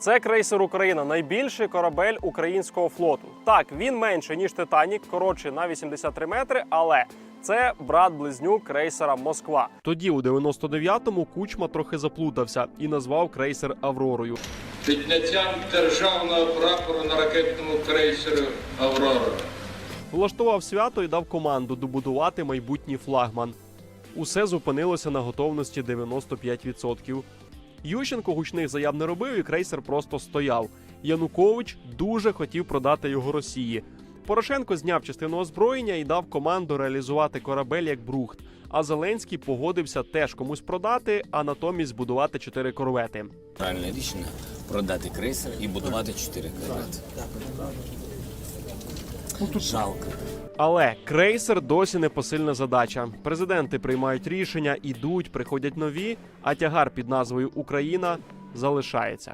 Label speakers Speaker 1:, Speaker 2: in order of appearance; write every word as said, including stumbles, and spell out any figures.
Speaker 1: Це крейсер «Україна» – найбільший корабель українського флоту. Так, він менше, ніж «Титанік», коротший на вісімдесят три метри, але це брат-близнюк крейсера «Москва». Тоді, у дев'яносто дев'ятому, Кучма трохи заплутався і назвав крейсер «Авророю».
Speaker 2: Підняттям державного прапору на ракетному крейсері «Аврора».
Speaker 1: Влаштував свято і дав команду добудувати майбутній флагман. Усе зупинилося на готовності дев'яносто п'ять відсотків. Ющенко гучних заяв не робив і крейсер просто стояв. Янукович дуже хотів продати його Росії. Порошенко зняв частину озброєння і дав команду реалізувати корабель як брухт. А Зеленський погодився теж комусь продати, а натомість збудувати чотири корвети.
Speaker 3: Правильне рішення – продати крейсер і будувати чотири корвети. Жалко.
Speaker 1: Але крейсер досі непосильна задача. Президенти приймають рішення, ідуть, приходять нові, а тягар під назвою «Україна» залишається.